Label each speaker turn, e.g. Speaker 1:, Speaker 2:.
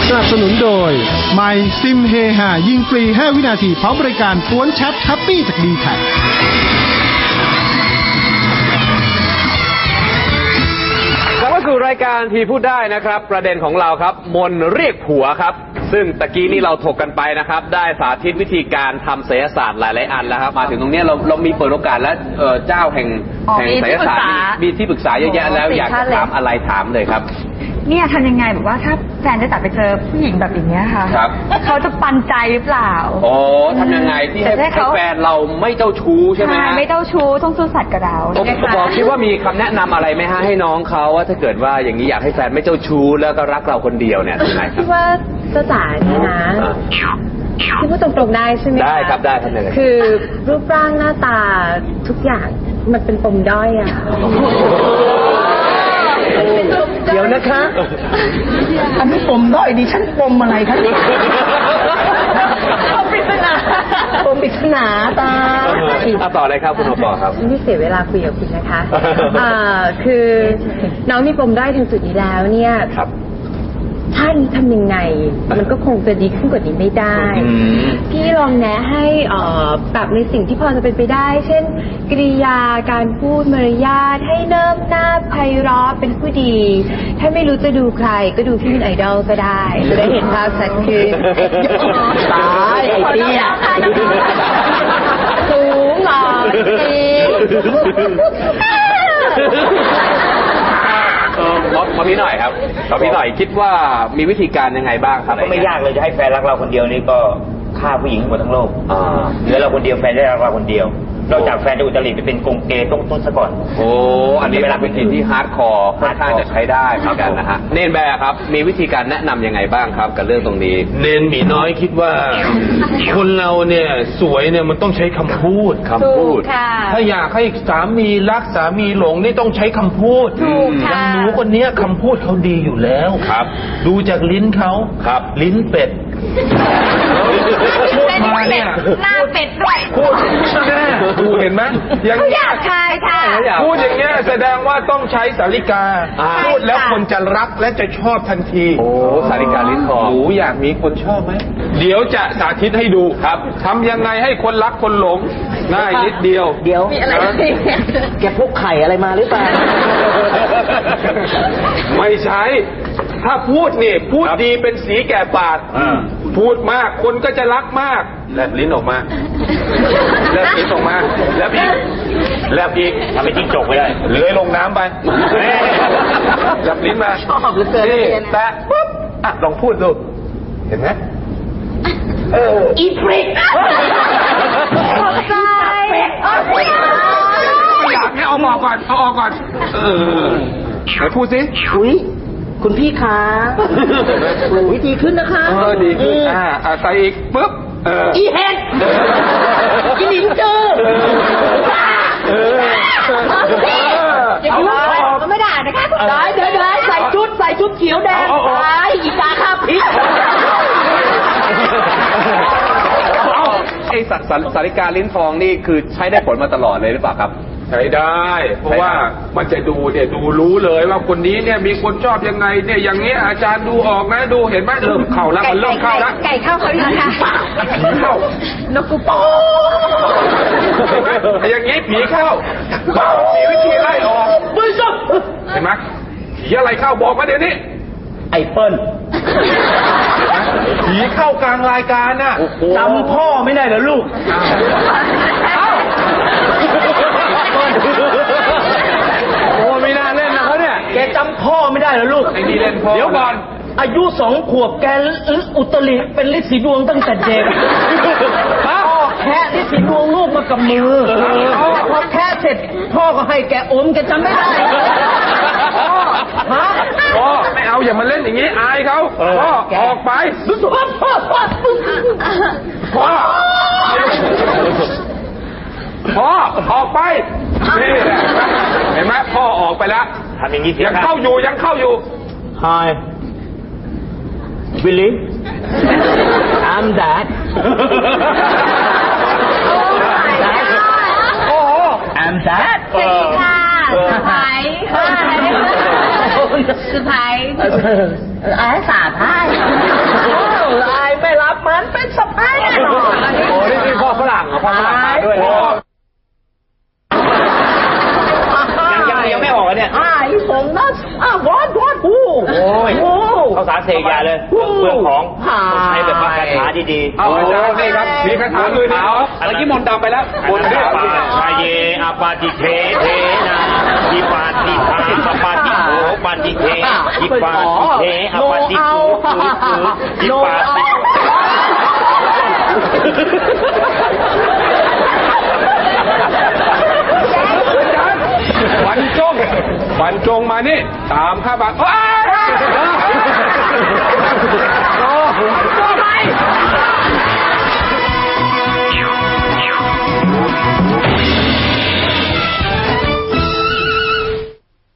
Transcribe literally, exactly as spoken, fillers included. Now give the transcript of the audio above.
Speaker 1: สนับสนุนโดยไมค์ซิมเฮฮายิงฟรีห้าวินาทีพร้อมบริการกวนแชทแฮปปี้จากดีแท็ก
Speaker 2: กลับมาสู่รายการทีพูดได้นะครับประเด็นของเราครับมนเรียกผัวครับซึ่งตะกี้นี้เราถกกันไปนะครับได้สาธิตวิธีการทำไสยศาสตร์หลายๆอันแล้วครับมาถึงตรงนี้เราเรามีเปิดโอกาสแล้วเจ้าแห่งแห่งไสยศาสตร์มีที่ปรึกษาเยอะแยะแล้วอยากจะถามอะไรถามเลยครับ
Speaker 3: เนี่ยทำยังไงแบบว่าถ้าแฟนได้ตัดไปเจอผู้หญิงแบบอย่างเงี้ยค่ะเขาจะปันใจหรือเปล่า
Speaker 2: โอ้ทำยังไงที่ให้แฟนเราไม่เจ้าชู้ใช่ไหมฮะ
Speaker 3: ไม่เจ้าชู้ต้องซื่อสัตย์กับเรา
Speaker 2: บอกคิดว่ามีคำแนะนำอะไรไหมฮะให้น้องเขาว่าถ้าเกิดว่าอย่างนี้อยากให้แฟนไม่เจ้าชู้แล้วก็รักเราคนเดียวเนี่ยยังไงครับ
Speaker 4: คิดว่าเจ้าจ๋าเนี่ยนะที่พูดตรงๆได้ใช่ไหม
Speaker 2: ได้ครับได้ครับเลย
Speaker 4: คือรูปร่างหน้าตาทุกอย่างมันเป็นปมด้อยอะ
Speaker 5: เดี๋ยวนะคะอันนี้ปมด้อยดิฉันปมอะไรคะปมปริศนาปมปริศนาตา
Speaker 2: ต่อเลยครับคุณโอปอครับ
Speaker 4: ไม่เสียเวลาคุยกับคุณนะคะคือน้องมีปมด้อยถึงจุดนี้แล้วเนี่ยถ้านี้ทำยังไงมันก็คงจะดีขึ้นกว่านี้ไม่ได้พี่ลองแนะให้ปรับในสิ่งที่พอจะเป็นไปได้เช่นกริยาการพูดมารยาทให้เนิ่มน่าไพเราะเป็นผู้ดีถ้าไม่รู้จะดูใครก็ดูพี่เป็นไอดอลก็ได้จะได้เห็นภาพชัดขึ้น
Speaker 5: ตายไอ้เตี้ย
Speaker 4: สูงหล่อจริง
Speaker 2: ขอพี่หน่อยครับขอพี่หน่อยคิดว่ามีวิธีการยังไงบ้างครับ
Speaker 6: ก็ไม่ยากเลยจะให้แฟนรักเราคนเดียวนี่ก็ฆ่าผู้หญิงหมดทั้งโลกเหลือเราคนเดียวแฟนได้รักเราคนเดียวนอกจากแฟนจะอุตริไปเป็นกงเกย์ต้องต้นซะก่อน
Speaker 2: โอ้อันนี้เป็นวิธีที่ฮาร์ดคอร์ค่อนข้างจะใช้ได้เหมือนกันนะฮะเนนแบร์ครับมีวิธีการแนะนำยังไงบ้างครับกับเรื่องตรงนี้
Speaker 7: เนนหมีน้อยคิดว่าคนเราเนี่ยสวยเนี่ยมันต้องใช้คำพูด
Speaker 2: คำพูด
Speaker 7: ถ้าอยากให้สามีรักสามีหลงนี่ต้องใช้คำพูดอย่างหนูคนนี้คำพูดเขาดีอยู่แล้ว
Speaker 2: ครับ
Speaker 7: ดูจากลิ้นเขา
Speaker 2: ครับ
Speaker 7: ลิ้นเป็ด
Speaker 3: พูดมาเนี่ยหน้าเป็ดด้วย
Speaker 7: พูดแน่ดูเห็นไหม
Speaker 3: อย่างนี้อยากทายค่ะ
Speaker 7: พูดอย่างเงี้ยแสดงว่าต้องใช้สาริกาพูดแล้วคนจะรักและจะชอบทันที
Speaker 2: โอ้สาริกาลิ้นทอง
Speaker 7: หนูอยากมีคนชอบไหมเดี๋ยวจะสาธิตให้ดูครับทำยังไงให้คนรักคนหลงง่ายนิดเดียว
Speaker 5: เดี๋ยวแกพกไข่อะไรมาหรือเปล่า
Speaker 7: ไม่ใช่ถ้าพูดนี่พูดดีเป็นสีแก่ปากพูดมากคนก็จะรักมากแลบลิ้นออกมาแลบลิ้นออกมาแลบอีกแลบอีก
Speaker 6: ทำให้จิ้งจกไปได้
Speaker 7: เลื้อยลงน้ำไปแลบลิ้นมา
Speaker 5: ชอบเหลือเกิน
Speaker 7: แตะปุ๊บอ่ะลองพูดดูเห็นไหม
Speaker 5: เอออีฟริก
Speaker 3: ขอบใจ
Speaker 7: อยากให้เอาออกก่อนเอาออกก่อนเออไหนพูดสิ
Speaker 5: อุ้ยคุณพี่คะวิธีขึ้นนะคะ
Speaker 7: เออดีขึ้นอ่าใส่อีกปุ๊บเออ
Speaker 5: อีเห็ดอีหลิงเจอ
Speaker 7: เออ
Speaker 5: อย่าพูดมันไม่ได้นะคะได้เดี๋ยวๆใส่ชุดใส่ชุดเขียวแดงไปอีกาข้าพริก
Speaker 2: ไอ้สาริกาลิ้นทองนี่คือใช้ได้ผลมาตลอดเลยหรือเปล่าครับ
Speaker 7: ใช้ได้เพราะว่ามันจะดูเนี่ยดูรู้เลยว่าคนนี้เนี่ยมีคนชอบยังไงเนี่ยอย่างเงี้ยอาจารย์ดูออกนะดูเห็นไหมเริ่มเข้าแล้วมันเริ่มเข้าแล้ว
Speaker 3: ไก่เข้าเขาดีค่ะ
Speaker 7: ผีเข้านกกูปออย่างงี้ผีเข้ามีวิธีไล่ออกเห็นไหมผีอะไรเข้าบอกมาเดี๋ยวนี้
Speaker 5: ไอเปิ้ล
Speaker 7: ผีเข้ากลางรายการน่ะ
Speaker 5: จำพ่อไม่ได้เหรอลูก
Speaker 7: โอ้ไม่น่าเล่นนะเขาเนี่ย
Speaker 5: แกจำพ่อไม่ได้เหรอลูก
Speaker 7: ไอ้นี่เล่นพ่อ
Speaker 5: เดี๋ยวก่อนอายุสองขวบแกอุตริเป็นฤทธิ์สีดวงตั้งแต่เด็กพ่อแค่ฤทธิ์สีดวงลูกมากับมือพอแค่เสร็จพ่อก็ให้แกอมแกจำไม่ได้
Speaker 7: ฮะพ่อไม่เอาอย่ามาเล่นอย่างนี้อายเขาพ่อออกไปพ่อพ่อพ่อพ่อพ่อออกไปนี่เห็นไหมพ่อออกไปแล้ว
Speaker 6: ทำอย่างนี้
Speaker 7: ยังเข้าอยู่ยังเข้าอยู่
Speaker 5: Hi Willie I'm Dad โอ้ I'm Dad
Speaker 3: สวัสดีค่ะสบายสบายอาสาพาย
Speaker 5: เป็นสะพ้ายแน่นอน
Speaker 2: โอ้นี่นี่พ่อฝรั่งเหรอพ่อฝรั่งมาด้วยนะ
Speaker 6: ยังยังยังไม่ออกอ่ะเนี่ย
Speaker 5: อ่าอีสงนัสอ่าวอดวอดปู
Speaker 6: โอ้ยเขาสารเสกยาเลยเปลืองของใช้แบบว่าคาถาดี
Speaker 7: เอาอาจารย์นี่ครับมีคาถามือเท้า
Speaker 2: เมื่อกี้มนต์ดำไปแล้ว
Speaker 6: ๆมนต์ปาชายเยอาปาติเทเทนะยิปาติทาปปาติโหปาติเทยิปาติเทอาปาติโหยิปาติ
Speaker 7: บรรจงบรรจงมานี่ตามข้าบังโอ้ย